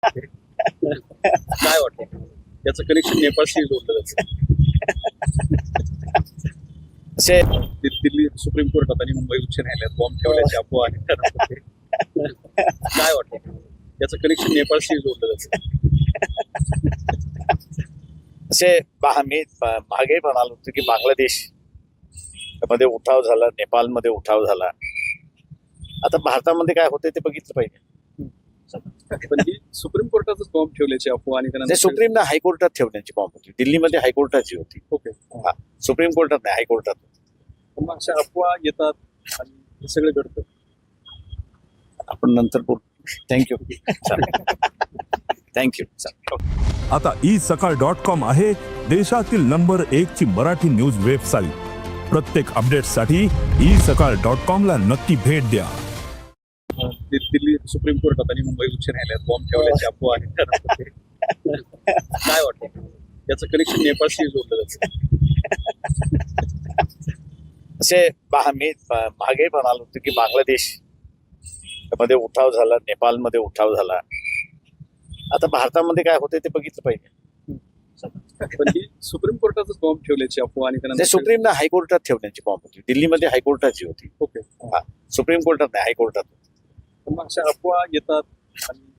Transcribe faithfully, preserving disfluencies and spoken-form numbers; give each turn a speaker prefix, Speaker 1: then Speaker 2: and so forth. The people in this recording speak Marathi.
Speaker 1: काय वाटतं याचं कनेक्शन नेपाळशी जोडलं जातं.
Speaker 2: असे
Speaker 1: दि- दिल्ली सुप्रीम कोर्टात आणि मुंबई उच्च न्यायालयात बॉम्ब ठेवल्याची अफवा आहे. काय वाटतं याचं कनेक्शन नेपाळशी जोडलं जातं.
Speaker 2: असे बा- मी ब- मागे म्हणालो होतो की बांगलादेश मध्ये उठाव झाला, नेपाळमध्ये उठाव झाला. आता भारतामध्ये काय होते ते बघितलं पाहिजे.
Speaker 1: पण ही सुप्रीम कोर्टातच बॉम्ब ठेवल्याची अफवा आणि
Speaker 2: ते
Speaker 1: त्यानंतर
Speaker 2: सुप्रीमला हायकोर्टात ठेवण्याची बॉम्ब होती. दिल्लीमध्ये हायकोर्टाची होती.
Speaker 1: ओके
Speaker 2: हा, सुप्रीम कोर्टात नाही, हायकोर्टात.
Speaker 1: पण मग अशा अफवा येतात आणि हे सगळं घडतं.
Speaker 2: आपण नंतर बोलू. थँक्यू. थँक्यू.
Speaker 3: आता ई सकाळ डॉट कॉम आहे देशातील नंबर एक ची मराठी न्यूज वेबसाईट. प्रत्येक अपडेटसाठी ई सकाळ डॉट कॉम ला नक्की भेट द्या.
Speaker 1: दि- दिल्ली सुप्रीम कोर्टात आणि मुंबई उच्च न्यायालयात बॉम्ब ठेवल्याची अफवा आहे. त्यानंतर काय वाटतं याचं कनेक्शन नेपाळशी जोडलं जातं.
Speaker 2: असे बा- मी ब- मागे म्हणालो होतो की बांगलादेश मध्ये उठाव झाला, नेपाळमध्ये उठाव झाला. आता भारतामध्ये काय होते ते बघितलं पाहिजे.
Speaker 1: पण ही सुप्रीम कोर्टातच बॉम्ब ठेवल्याची अफवा आणि
Speaker 2: ते
Speaker 1: त्यानंतर
Speaker 2: सुप्रीमला हायकोर्टात ठेवण्याची बॉम्ब होती. दिल्लीमध्ये हायकोर्टाची होती.
Speaker 1: ओके
Speaker 2: हा, सुप्रीम कोर्टात नाही, हायकोर्टात.
Speaker 1: पण मग अशा अफवा येतात आणि